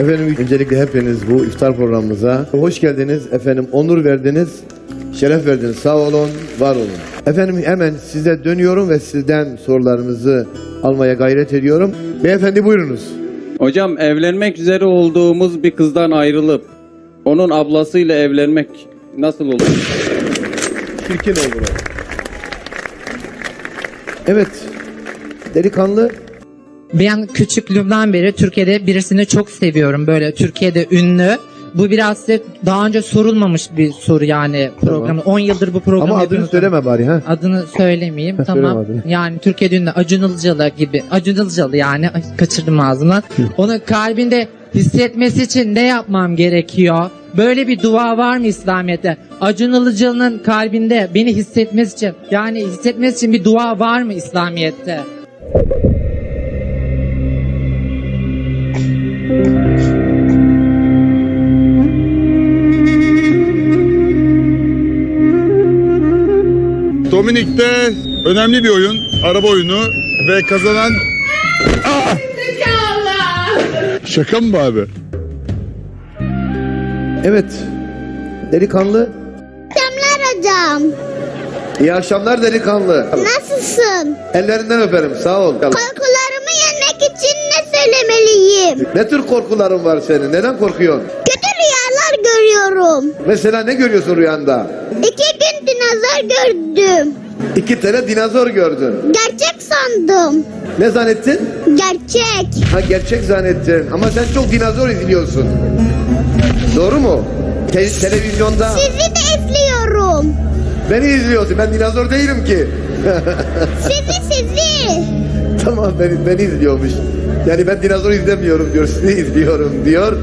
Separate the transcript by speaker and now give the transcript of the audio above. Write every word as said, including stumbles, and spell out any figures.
Speaker 1: Efendim öncelikle hepiniz bu iftar programımıza hoş geldiniz. Efendim onur verdiniz, şeref verdiniz. Sağ olun, var olun. Efendim hemen size dönüyorum ve sizden sorularınızı almaya gayret ediyorum. Beyefendi buyurunuz.
Speaker 2: Hocam, evlenmek üzere olduğumuz bir kızdan ayrılıp onun ablasıyla evlenmek nasıl olur?
Speaker 1: Çirkin olur. Evet, delikanlı.
Speaker 3: Ben küçüklüğümden beri Türkiye'de birisini çok seviyorum. Böyle Türkiye'de ünlü. Bu biraz size daha önce sorulmamış bir soru yani programı.
Speaker 1: Tamam.
Speaker 3: on yıldır bu programı
Speaker 1: Ama adını
Speaker 3: yapıyorsunuz.
Speaker 1: söyleme bari ha.
Speaker 3: Adını söylemeyeyim.
Speaker 1: Ha,
Speaker 3: Tamam.
Speaker 1: söyleme adını.
Speaker 3: Yani Türkiye'de ünlü Acun Ilıcalı gibi. Acun Ilıcalı yani. Ay, kaçırdım ağzımdan. Onu kalbinde hissetmesi için ne yapmam gerekiyor? Böyle bir dua var mı İslamiyet'te? Acun Ilıcalı'nın kalbinde beni hissetmesi için, yani hissetmesi için bir dua var mı İslamiyet'te?
Speaker 4: Dominik'te önemli bir oyun, araba oyunu ve kazanan... Aa! Şaka mı bu abi?
Speaker 1: Evet, delikanlı.
Speaker 5: Akşamlar hocam.
Speaker 1: İyi akşamlar delikanlı.
Speaker 5: Nasılsın?
Speaker 1: Ellerinden öperim, sağ ol.
Speaker 5: Korkularımı yenmek için ne söylemeliyim?
Speaker 1: Ne tür korkuların var senin? Neden korkuyorsun?
Speaker 5: Kötü rüyalar görüyorum.
Speaker 1: Mesela ne görüyorsun rüyanda?
Speaker 5: İki gün dinozor gördüm.
Speaker 1: İki tane dinozor gördün.
Speaker 5: Gerçek sandım.
Speaker 1: Ne zannettin?
Speaker 5: Gerçek.
Speaker 1: Ha gerçek zannettin. Ama sen çok dinozor izliyorsun. Doğru mu? Te- televizyonda
Speaker 5: Sizi de izliyorum.
Speaker 1: beni izliyorsun. Ben dinozor değilim ki.
Speaker 5: Sizi sizi.
Speaker 1: Tamam beni, beni izliyormuş. Yani ben dinozor izlemiyorum diyor. Sizi izliyorum diyor.